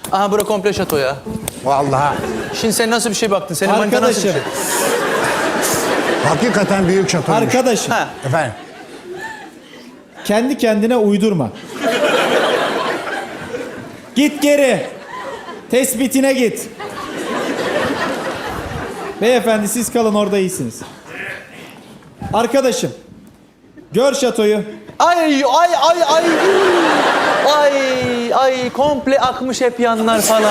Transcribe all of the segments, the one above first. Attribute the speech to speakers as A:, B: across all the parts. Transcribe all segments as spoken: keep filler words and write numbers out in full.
A: Aha bura komple şato ya.
B: Vallahi.
A: Şimdi sen nasıl bir şey baktın? Senin manita nasıl bir şey?
C: Arkadaşım,
B: Hakikaten büyük şatoymuş.
C: arkadaşım.
A: Ha.
B: Efendim.
C: Kendi kendine uydurma. Git geri. Tespitine git. Beyefendi siz kalın orada iyisiniz. Arkadaşım. Gör şatoyu.
A: Ay ay ay ay. Ay ay komple akmış hep yanlar falan.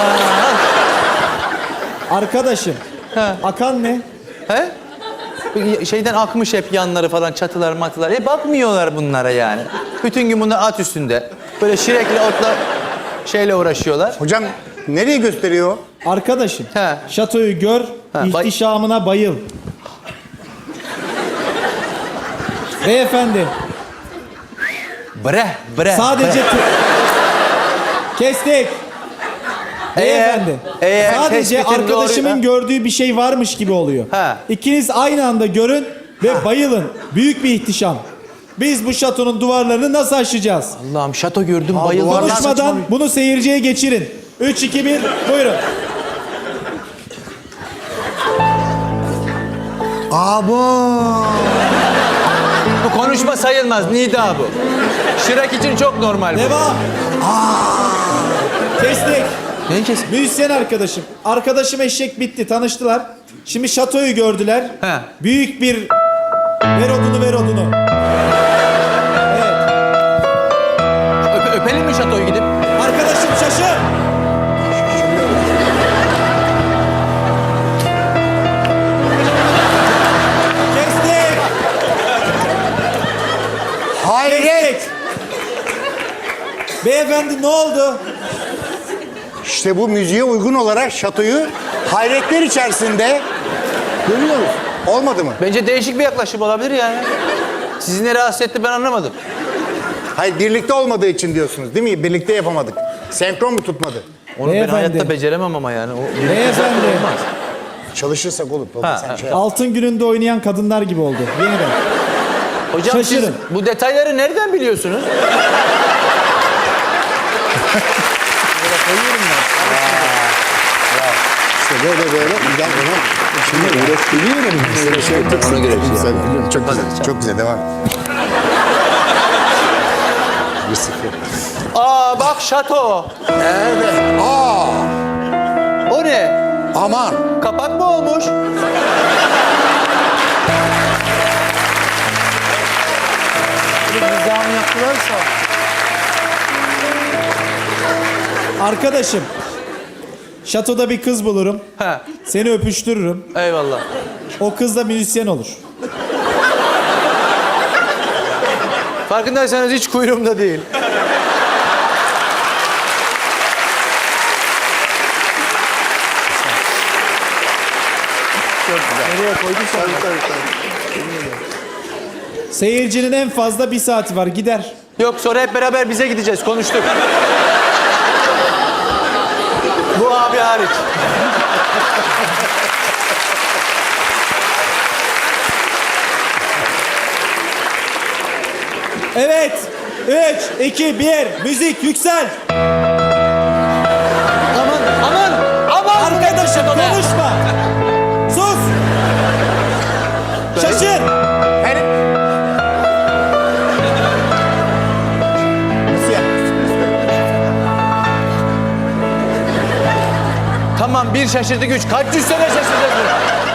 C: Arkadaşım.
A: Ha.
C: Akan ne?
A: He? Şeyden akmış hep yanları falan, çatılar matılar. E bakmıyorlar bunlara yani. Bütün gün bunlar at üstünde. Böyle şirekli otla şeyle uğraşıyorlar.
B: Hocam nereye gösteriyor?
C: Arkadaşım.
A: He.
C: Şatoyu gör.
A: Ha, bay-
C: ihtişamına bayıl. Beyefendi.
A: Bre, bre.
C: Sadece...
A: bre.
C: Kestik. Beyefendi.
A: eğer
C: Sadece
A: tespitin
C: arkadaşımın
A: doğru-
C: gördüğü bir şey varmış gibi oluyor.
A: Ha.
C: İkiniz aynı anda görün ve bayılın. Büyük bir ihtişam. Biz bu şatonun duvarlarını nasıl aşacağız?
A: Allah'ım şato gördüm bayıldım.
B: duvarlar-
C: Konuşmadan bunu seyirciye geçirin. üç, iki, bir, buyurun.
B: Abo.
A: Bu konuşma sayılmaz. Nida bu. Şirek için çok normal bu.
C: Devam. Kestik.
A: Ne kes?
C: Müzisyen arkadaşım. Arkadaşım eşek bitti. Tanıştılar. Şimdi şatoyu gördüler.
A: He.
C: Büyük bir... Ver odunu, ver odunu. Evet.
A: Öpe- öpelim mi şatoyu gidip?
C: Arkadaşım şaşır. Kestik.
B: Hayret.
C: Kestik. Beyefendi ne oldu?
B: İşte bu müziğe uygun olarak şatoyu hayretler içerisinde görüyoruz. Olmadı mı?
A: Bence değişik bir yaklaşım olabilir yani. Sizi ne rahatsız etti ben anlamadım.
B: Hayır, birlikte olmadığı için diyorsunuz değil mi? Birlikte yapamadık. Senkron mu tutmadı?
A: Onu ben
C: Beyefendi.
A: hayatta beceremem ama yani. O birlikte
C: Beyefendi.
A: zaten olmaz.
B: Çalışırsak olur. Baba,
A: Ha,
B: sen
A: ha.
B: şey yap.
C: Altın gününde oynayan kadınlar gibi oldu. Yeniden.
A: Hocam siz
C: Şaşırın.
A: bu detayları nereden biliyorsunuz?
B: İşte böyle böyle. Gel ona. Şimdi üretiliyorum. Böyle şey yaptık.
A: Ona göre bir şey
B: Güzel,
A: yap.
B: biliyorum. Çok güzel.
A: Hadi,
B: Çok güzel. Devam. Bir sıfır.
A: Aa bak şato.
B: Evet. Aa.
A: O ne?
B: Aman.
A: Kapak mı olmuş? Bir nizam yaptılarsa.
C: Arkadaşım. Şatoda bir kız bulurum.
A: He.
C: Seni öpüştürürüm.
A: Eyvallah.
C: O kız da müzisyen olur.
A: Farkındaysanız hiç kuyruğumda değil.
C: Nereye koyduysan. Seyircinin en fazla bir saati var. Gider.
A: Yok sonra hep beraber bize gideceğiz. Konuştuk. Bu abi hariç.
C: Evet. Üç, iki, bir. Müzik yüksel.
A: Aman aman aman.
C: Arkadaşım konuşma. Sus. Şaşır.
B: Hani... Nasıl yapmışsınız?
A: Tamam bir şaşırdık üç. Kaç yüz sene şaşıracağız?